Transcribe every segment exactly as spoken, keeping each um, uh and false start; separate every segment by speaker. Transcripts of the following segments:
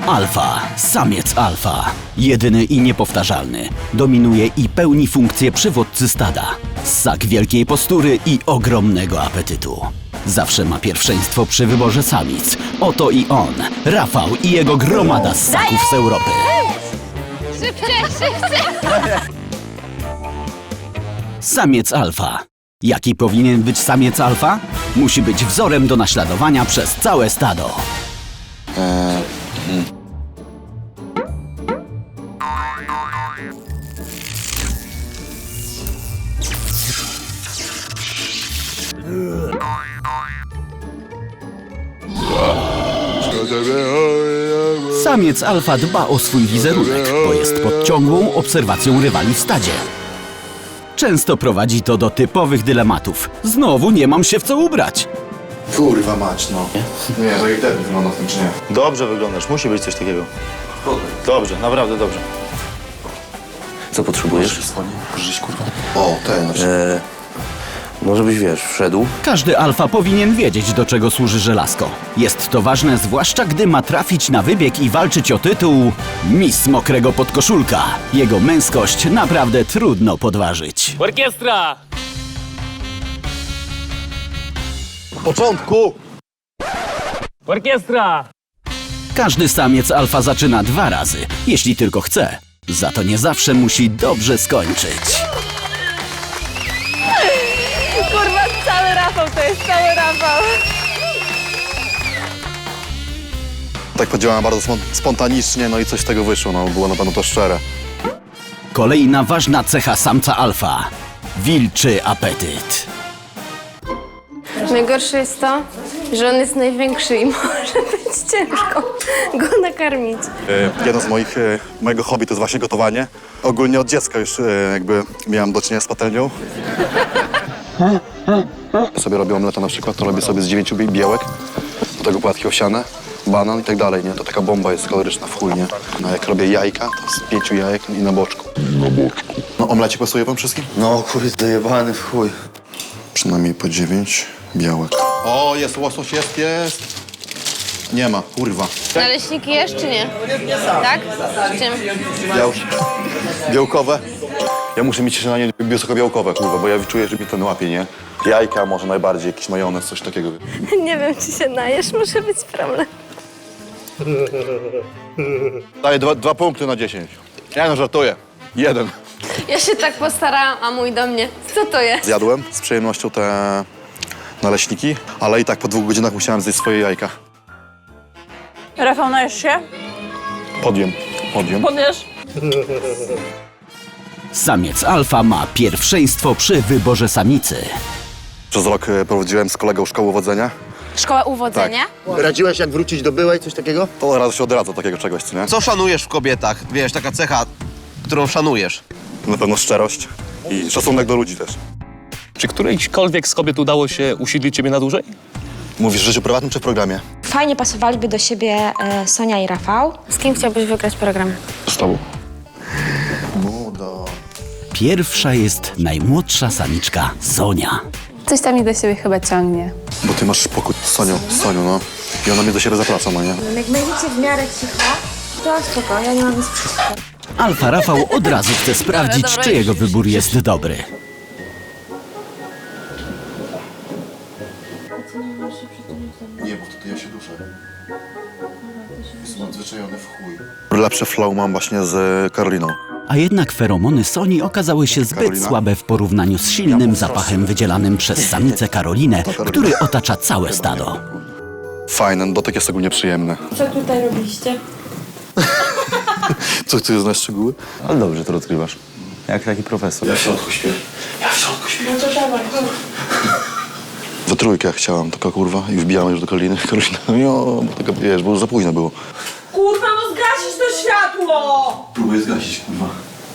Speaker 1: Alfa, samiec alfa. Jedyny i niepowtarzalny. Dominuje i pełni funkcję przywódcy stada. Ssak wielkiej postury i ogromnego apetytu. Zawsze ma pierwszeństwo przy wyborze samic. Oto i on, Rafał i jego gromada ssaków z Europy.
Speaker 2: Szybciej, szybciej!
Speaker 1: Samiec alfa. Jaki powinien być samiec alfa? Musi być wzorem do naśladowania przez całe stado.
Speaker 3: Eee, hmm.
Speaker 1: Samiec alfa dba o swój wizerunek, bo jest pod ciągłą obserwacją rywali w stadzie. Często prowadzi to do typowych dylematów. Znowu nie mam się w co ubrać.
Speaker 3: Kurwa mać, no. Nie, tak jak debil wygląda w tym, czy nie?
Speaker 4: Dobrze wyglądasz, musi być coś takiego. Dobrze, naprawdę dobrze.
Speaker 5: Co potrzebujesz?
Speaker 3: Żyć, kurwa. O, ten na przykład.
Speaker 5: Eee, może byś, wiesz, wszedł?
Speaker 1: Każdy alfa powinien wiedzieć, do czego służy żelazko. Jest to ważne, zwłaszcza gdy ma trafić na wybieg i walczyć o tytuł Miss Mokrego Podkoszulka. Jego męskość naprawdę trudno podważyć.
Speaker 6: Orkiestra!
Speaker 4: W początku!
Speaker 6: Orkiestra!
Speaker 1: Każdy samiec alfa zaczyna dwa razy, jeśli tylko chce. Za to nie zawsze musi dobrze skończyć.
Speaker 2: Kurwa, cały Rafał to jest, cały Rafał.
Speaker 3: Tak podziałałem bardzo spon- spontanicznie, no i coś z tego wyszło, no było na pewno to szczere.
Speaker 1: Kolejna ważna cecha samca alfa. Wilczy apetyt.
Speaker 2: Najgorsze jest to, że on jest największy i może być ciężko go nakarmić.
Speaker 3: E, jedno z moich, e, mojego hobby to jest właśnie gotowanie. Ogólnie od dziecka już e, jakby miałem do czynienia z patelnią. Ja sobie robię omleta na przykład, to robię sobie z dziewięciu bie- białek, do tego płatki owsiane, banan i tak dalej, nie? To taka bomba jest kaloryczna w chuj, nie? No jak robię jajka, to z pięciu jajek i na boczku. Na boczku. No omlecie pasuje wam wszystkim?
Speaker 5: No, chuj, dojebany w chuj.
Speaker 3: Przynajmniej po dziewięć białek. O, jest łosoś, jest, jest. Nie ma, kurwa.
Speaker 2: Naleśniki jesz czy nie? Tak? Z czym?
Speaker 3: Biał... Białkowe. Ja muszę mieć śniadanie wysokobiałkowe, kurwa, bo ja czuję, że mi ten łapie, nie? Jajka, może najbardziej, jakiś majonez, coś takiego.
Speaker 2: Nie wiem, czy się najesz, może być problem.
Speaker 3: Daję dwa, dwa punkty na dziesięć. Ja no żartuję. Jeden.
Speaker 2: Ja się tak postarałam, a mój do mnie. Co to jest?
Speaker 3: Zjadłem z przyjemnością te naleśniki, ale i tak po dwóch godzinach musiałem zjeść swoje jajka.
Speaker 7: Rafał, najesz się?
Speaker 3: Podjem, podjem.
Speaker 7: Podjesz?
Speaker 1: Samiec alfa ma pierwszeństwo przy wyborze samicy.
Speaker 3: Przez rok e, prowadziłem z kolegą szkołę wodzenia.
Speaker 2: Szkoła uwodzenia?
Speaker 5: Radziłeś, jak wrócić do byłej, coś takiego?
Speaker 3: To od razu się odradza takiego czegoś, co nie?
Speaker 8: Co szanujesz w kobietach? Wiesz, taka cecha, którą szanujesz.
Speaker 3: Na pewno szczerość i szacunek do ludzi też.
Speaker 6: Czy którejśkolwiek z kobiet udało się usiedlić ciebie na dłużej?
Speaker 3: Mówisz w życiu prywatnym czy w programie?
Speaker 9: Fajnie pasowaliby do siebie e, Sonia i Rafał.
Speaker 2: Z kim chciałbyś wygrać program?
Speaker 3: Z tobą.
Speaker 1: Pierwsza jest najmłodsza samiczka Sonia.
Speaker 2: Coś tam mi do siebie chyba ciągnie.
Speaker 3: Bo ty masz spokój z Sonią, z Sonią, no. I ona mnie do siebie zaprasza, no nie?
Speaker 9: Jak będziecie w miarę cicho, to spoko, ja nie mam nic przeciwko.
Speaker 1: Alfa Rafał od razu chce sprawdzić,
Speaker 2: dobra,
Speaker 1: czy
Speaker 2: już,
Speaker 1: jego
Speaker 2: już,
Speaker 1: wybór jest dobry.
Speaker 3: Nie, bo wtedy ja się duszę. Jestem odzwyczajony w chuj. Lepsze flow mam właśnie z Karoliną.
Speaker 1: A jednak feromony Soni okazały się zbyt
Speaker 3: Karolina?
Speaker 1: słabe w porównaniu z silnym zapachem wydzielanym przez samicę Karolinę, który otacza całe stado.
Speaker 3: Fajny, dotyk jest ogólnie przyjemny.
Speaker 7: Co tutaj robiliście?
Speaker 3: Co, ty znasz szczegóły?
Speaker 4: Ale dobrze to odkrywasz. Jak taki profesor.
Speaker 3: Ja w środku śpię. Ja w środku śpię.
Speaker 7: No to dawaj, chodź.
Speaker 3: We trójkę chciałam, taka kurwa, i wbijałem już do Karoliny. Karolina, jo, bo taka, wiesz, bo już za późno było.
Speaker 7: Kurwa, no zgasisz to światło!
Speaker 3: Próbuję zgasić, kurwa.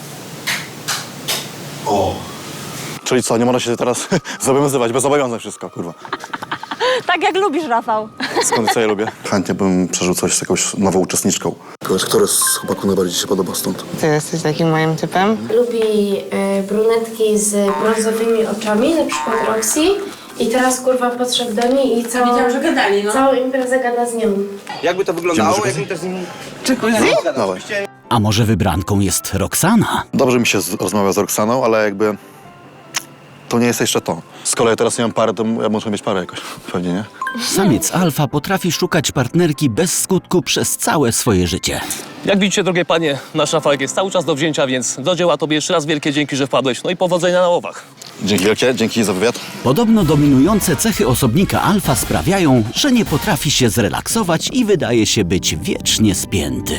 Speaker 3: O. Czyli co, nie można się teraz zobowiązywać, bez zobowiązań wszystko, kurwa.
Speaker 7: Tak jak lubisz, Rafał.
Speaker 3: Skąd co ja lubię? Chętnie bym przeżył coś z jakąś nową uczestniczką. Który z chłopaków najbardziej ci się podoba stąd?
Speaker 10: Ty jesteś takim moim typem?
Speaker 2: Lubi y, brunetki z brązowymi oczami, na przykład Roxy I teraz kurwa podszedł do niej i całą,
Speaker 7: Wiedziałam, że gadali, no.
Speaker 2: całą imprezę gada z nią.
Speaker 8: Jakby to wyglądało, jakbym też z nim...
Speaker 3: Dawaj.
Speaker 1: A może wybranką jest Roxana?
Speaker 3: Dobrze mi się z, rozmawia z Roxaną, ale jakby to nie jest jeszcze to. Z kolei teraz nie mam pary, to ja muszę mieć parę jakoś, pewnie, nie?
Speaker 1: Samiec alfa potrafi szukać partnerki bez skutku przez całe swoje życie.
Speaker 6: Jak widzicie, drogie panie, nasz Rafałek jest cały czas do wzięcia, więc do dzieła tobie jeszcze raz wielkie dzięki, że wpadłeś. No i powodzenia na łowach.
Speaker 3: Dzięki wielkie, dzięki za wywiad.
Speaker 1: Podobno dominujące cechy osobnika alfa sprawiają, że nie potrafi się zrelaksować i wydaje się być wiecznie spięty.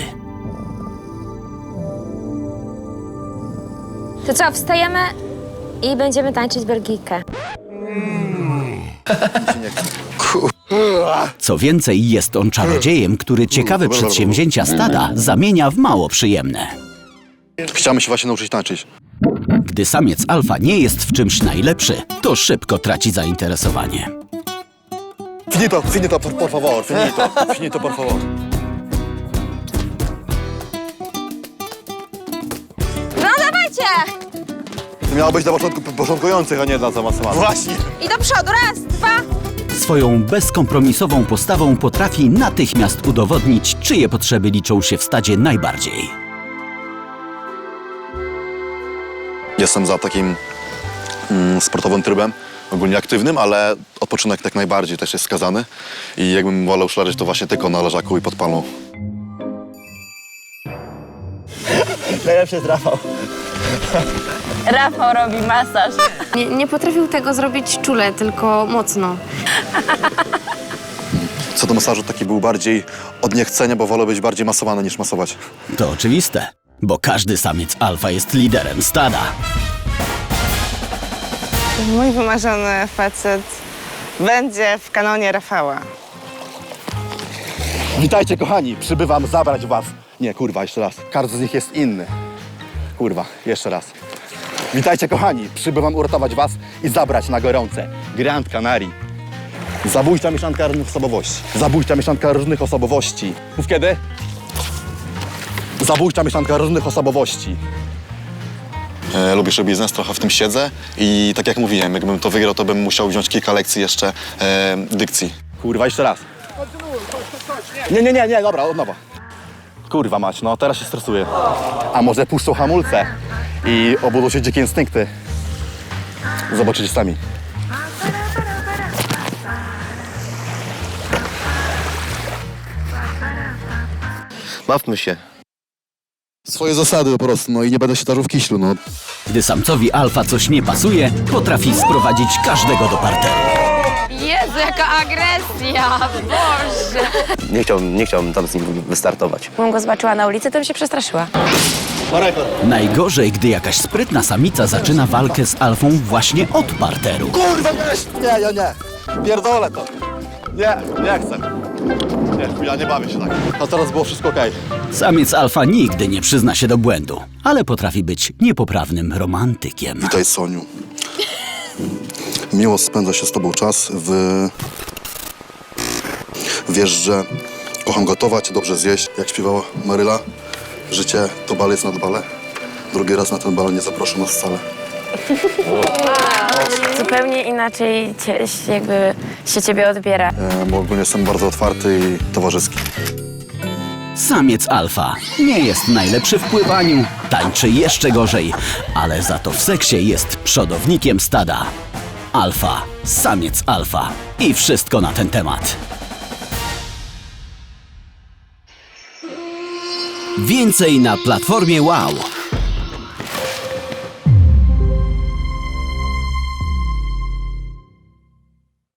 Speaker 9: To co, wstajemy i będziemy tańczyć Belgijkę.
Speaker 1: Co więcej, jest on czarodziejem, który ciekawe przedsięwzięcia stada zamienia w mało przyjemne.
Speaker 3: Chciałem się właśnie nauczyć tańczyć.
Speaker 1: Gdy samiec alfa nie jest w czymś najlepszy, to szybko traci zainteresowanie.
Speaker 3: Finito, finito, por, por favor, finito, finito, por favor.
Speaker 9: No dawajcie!
Speaker 3: To miało być dla początku, początkujących, a nie dla zaawansowanych.
Speaker 8: Właśnie.
Speaker 9: I do przodu, raz, dwa.
Speaker 1: Swoją bezkompromisową postawą potrafi natychmiast udowodnić, czyje potrzeby liczą się w stadzie najbardziej.
Speaker 3: Jestem za takim mm, sportowym trybem, ogólnie aktywnym, ale odpoczynek tak najbardziej też jest skazany. I jakbym wolał szlarzyć, to właśnie tylko na leżaku i pod palmą.
Speaker 8: Najlepszy jest Rafał.
Speaker 7: Rafał robi masaż.
Speaker 2: Nie, nie potrafił tego zrobić czule, tylko mocno.
Speaker 3: Co do masażu, taki był bardziej od niechcenia, bo wolę być bardziej masowany niż masować.
Speaker 1: To oczywiste, bo każdy samiec alfa jest liderem stada.
Speaker 10: Mój wymarzony facet będzie w kanonie Rafała.
Speaker 3: Witajcie, kochani, przybywam zabrać was. Nie, kurwa, jeszcze raz. Każdy z nich jest inny. Kurwa, jeszcze raz. Witajcie, kochani, przybywam uratować was i zabrać na gorące Grand Canary. Zabójcza mieszanka różnych osobowości. Zabójcza mieszanka różnych osobowości. Mów kiedy? Zabójcza mieszanka różnych osobowości. E, lubię show biznes, trochę w tym siedzę i tak jak mówiłem, jakbym to wygrał, to bym musiał wziąć kilka lekcji jeszcze e, dykcji. Kurwa, jeszcze raz. Nie, nie, nie, nie, dobra, od nowa. Kurwa mać, no teraz się stresuję. A może puszczą hamulce i obudzą się dzikie instynkty. Zobaczycie sami.
Speaker 8: Bawmy się.
Speaker 3: Swoje zasady po prostu, no i nie będę się tarzył w kiślu, no.
Speaker 1: Gdy samcowi alfa coś nie pasuje, potrafi sprowadzić każdego do parteru.
Speaker 9: Jezu, jaka agresja! Boże!
Speaker 5: Nie chciałbym, nie chciałbym tam z nim wystartować.
Speaker 7: Jak go zobaczyła na ulicy, to bym się przestraszyła.
Speaker 1: Najgorzej, gdy jakaś sprytna samica zaczyna walkę z alfą właśnie od parteru.
Speaker 3: Kurwa, nie, nie, nie, nie. Pierdolę to. Nie, nie chcę. Nie, ja nie bawię się tak. A teraz było wszystko okej.
Speaker 1: Samiec alfa nigdy nie przyzna się do błędu, ale potrafi być niepoprawnym romantykiem.
Speaker 3: Witaj, Soniu. Miło spędza się z tobą czas. W... Wiesz, że kocham gotować, dobrze zjeść. Jak śpiewała Maryla, życie to balec nad bale. Drugi raz na ten bal nie zaproszę nas wcale.
Speaker 7: Zupełnie inaczej cie, jakby się ciebie odbiera.
Speaker 3: E, bo ogólnie jestem bardzo otwarty i towarzyski.
Speaker 1: Samiec alfa nie jest najlepszy w pływaniu, tańczy jeszcze gorzej, ale za to w seksie jest przodownikiem stada. Alfa, samiec alfa i wszystko na ten temat. Więcej na platformie Wow.